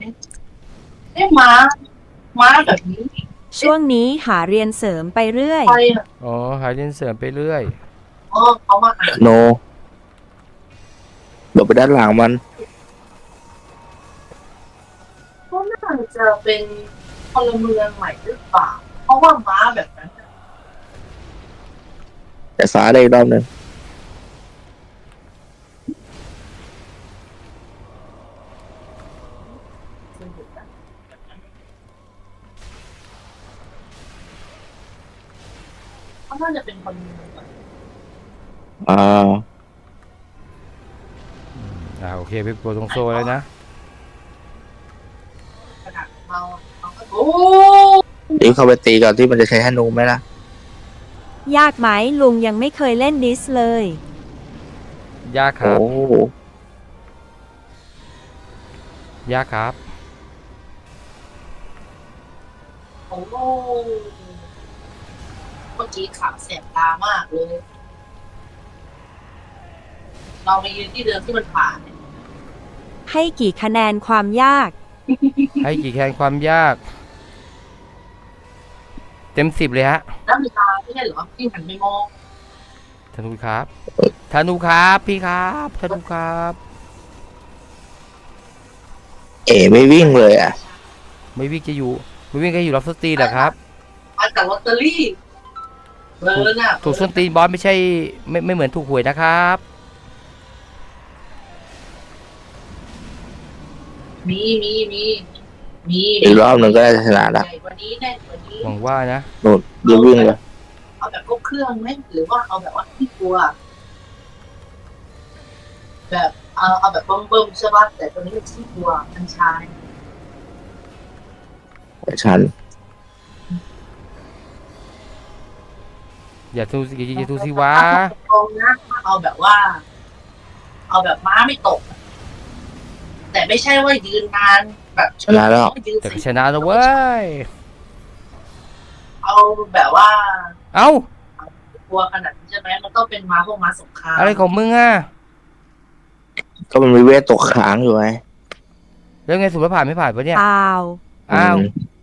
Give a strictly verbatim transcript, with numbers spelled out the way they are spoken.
เอ๊ะม้าม้าแบบนี้ช่วงนี้หาเรียนเสริมไปเรื่อยไปอ่ะอ๋อหาเรียนเสริมไปเรื่อยอ๋อเขามาอ่านโนเดี๋ยวไปด้านหลังมันก็น่าจะเป็นพลเมืองใหม่หรือเปล่าเพราะว่าม้าแบบนั้นน่ะแต่สาได้อีกรอบหนึ่งเคยเห็นนะแบบนั้นเขาน่าจะเป็นพลเมืองใหม่อ่าอ่าโอเคไปกดตรงโซเลยนะขนาดเราเราก็โอ้เดี๋ยวเข้าไปตีก่อนที่มันจะใช้ธนูไหมล่ะยากไหมลุงยังไม่เคยเล่นดิสเลยยากคโอ้รับ ยากครับโหเมื่อกี้ขาวแสบตามากเลย เราไปยืนที่เดิมที่มันผ่านเนี่ยให้กี่คะแนนความยากให้กี่คะแนนความยาก เต็มสิบเลยฮะแล้วมีตาไม่ใช่เหรอที่หันไปมองธนูครับธนูครับพี่ครับธนูครับเอ๋ไม่วิ่งเลยอ่ะไม่วิ่งจะอยู่ไม่วิ่งก็อยู่รับสตรีแหละครับมาจากลอตเตอรี่เบอร์น่ะถูกส้นตีนบอสไม่ใช่ไม่ไม่เหมือนถูกหวยนะครับมีมีมีมีอีกรอบหนึ่งก็ได้ชนะละใหญ่กว่านี้แน่กว่านี้หวังว่านะนู่นเดี๋ยววิ่งเลยเอาแบบครบเครื่องไหมหรือว่าเอาแบบว่าที่กลัว แบบเอาเอาแบบเบิ่มๆใช่ป่ะแต่ตัวนี้มันที่กลัวมันชายฉันอย่าทูสิอย่าทูสิวะตรงนะเอาแบบว่า เอาแบบม้าไม่ตก แต่ไม่ใช่ว่ายืนนานแบบชนะแล้วยืนแต่สิชนะแล้วเว้ยเอาแบบว่าเอ้ากลัวขนาดนี้ใช่ไหมมันต้องเป็นม้าพวกม้าสงครามอะไรของมึงอ่ะก็มันมีเวทตกค้างอยู่ไงแล้วไงสุภาผ่านไม่ผ่านปะเนี่ยอ้าวอ้าวอืม